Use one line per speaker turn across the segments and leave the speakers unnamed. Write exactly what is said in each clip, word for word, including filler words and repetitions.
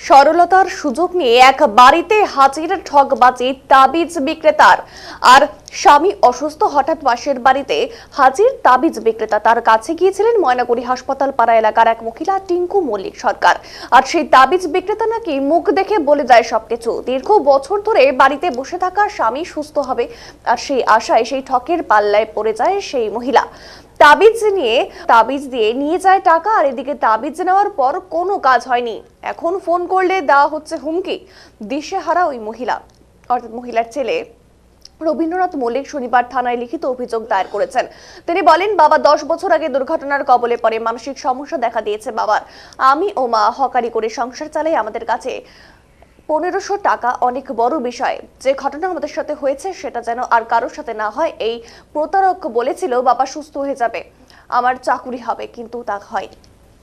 সরলতার সুযোগ নিয়ে এক বাড়িতে হাজির ঠকবাজি তাবিজ বিক্রেতার। আর স্বামী অসুস্থ, হঠাৎ পাশের বাড়িতে হাজির তাবিজ বিক্রেতা। তার কাছে গিয়েছিলেন ময়নাগুড়ি হাসপাতাল পাড়া এলাকার এক মহিলা টিঙ্কু মল্লিক সরকার। আর সেই তাবিজ বিক্রেতা নাকি মুখ দেখে বলে যায় সবকিছু। দীর্ঘ বছর ধরে বাড়িতে বসে থাকা স্বামী সুস্থ হবে, আর সেই আশায় সেই ঠকের পাল্লায় পড়ে যায় সেই মহিলা। তাবিজ নিয়ে তাবিজ দিয়ে নিয়ে যায় টাকা, আর এদিকে তাবিজ নেওয়ার পর কোনো কাজ হয়নি। এখন ফোন করলে দেওয়া হচ্ছে হুমকি। দিশেহারা ওই মহিলা, অর্থাৎ মহিলার ছেলে রবীন্দ্রনাথ মল্লিক শনিবার থানায় লিখিত অভিযোগ দায়ের করেছেন। তিনি বলেন, বাবা দশ বছর আগে দুর্ঘটনার কবলে পড়ে, মানসিক সমস্যা দেখা দিয়েছে বাবার। আমি ও মা হকারি করে সংসার চালাই। আমাদের কাছে পনেরোশো টাকা অনেক বড় বিষয়। যে ঘটনা আমাদের সাথে হয়েছে সেটা যেন আর কারোর সাথে না হয়। এই প্রতারক বলেছিল বাবা সুস্থ হয়ে যাবে, আমার চাকুরি হবে, কিন্তু তা হয়নি।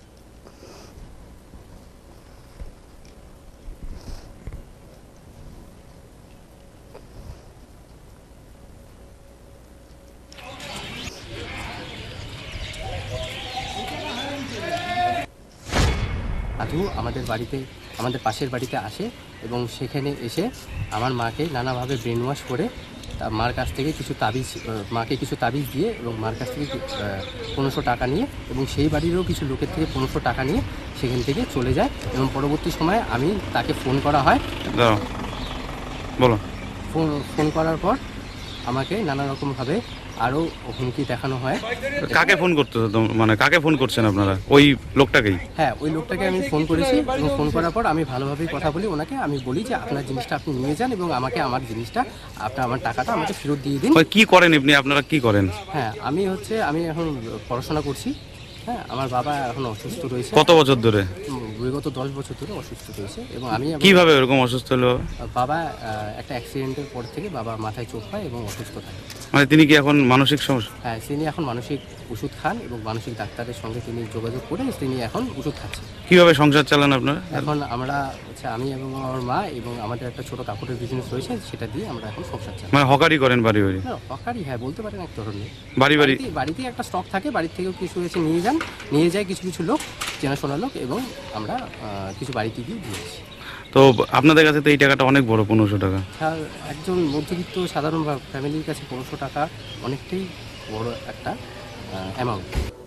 সাধু আমাদের বাড়িতে, আমাদের পাশের বাড়িতে আসে এবং সেখানে এসে আমার মাকে নানাভাবে ব্রেন ওয়াশ করে তা মার কাছ থেকে কিছু তাবিজ মাকে কিছু তাবিজ দিয়ে এবং মার কাছ থেকে পনেরোশো টাকা নিয়ে এবং সেই বাড়িরও কিছু লোকের থেকে পনেরোশো টাকা নিয়ে সেখান থেকে চলে যায়। এবং পরবর্তী সময়ে আমি তাকে ফোন করা হয়।
বলো।
ফোন ফোন করার পর আমাকে নানা রকমভাবে আরও হুমকি দেখানো হয়।
কাকে ফোন করতে, মানে কাকে ফোন করছেন আপনারা? ওই লোকটাকেই?
হ্যাঁ, ওই লোকটাকে আমি ফোন করেছি এবং ফোন করার পর আমি ভালোভাবেই কথা বলি ওনাকে। আমি বলি যে আপনার জিনিসটা আপনি নিয়ে যান এবং আমাকে আমার জিনিসটা, আপনার আমার টাকাটা আমাকে ফেরত দিয়ে দিন।
কি করেন আপনি? আপনারা কি করেন?
হ্যাঁ, আমি হচ্ছে আমি এখন পড়াশোনা করছি। হ্যাঁ, আমার বাবা এখন অসুস্থ রয়েছে।
কত বছর ধরে?
বিগত দশ বছর ধরে অসুস্থ রয়েছে এবং আমি
কিভাবে এরকম অসুস্থ হলো?
বাবা একটা অ্যাক্সিডেন্টের পর থেকে বাবা মাথায় চোট পায় এবং অসুস্থ থাকে।
মানে তিনি কি এখন মানসিক সমস্যা?
হ্যাঁ, তিনি এখন মানসিক ওষুধ খান এবং মানসিক ডাক্তারের সঙ্গে তিনি যোগাযোগ করে তিনি এখন ওষুধ খাচ্ছেন।
কিভাবে সংসার চালান আপনারা?
এখন আমরা হচ্ছে আমি এবং আমার মা এবং আমাদের একটা ছোট কাপড়ের বিজনেস রয়েছে, সেটা দিয়ে আমরা এখন সংসার চালাই।
মানে হকারি করেন বাড়ি বাড়ি?
না, হকারি হ্যাঁ বলতে পারেন এক ধরনের।
বাড়ি বাড়ি
বাড়িতে একটা স্টক থাকে, বাড়ির থেকেও কিছু এসে নিয়ে যান, নিয়ে যায় কিছু কিছু লোক, চেনাশোনা লোক, এবং আমরা কিছু বাড়িতে গিয়ে দিয়েছি।
তো আপনাদের কাছে তো এই টাকাটা অনেক বড়, পনেরোশো টাকা।
আর একজন মধ্যবিত্ত সাধারণ ফ্যামিলির কাছে পনেরোশো টাকা অনেকটাই বড় একটা অ্যামাউন্ট।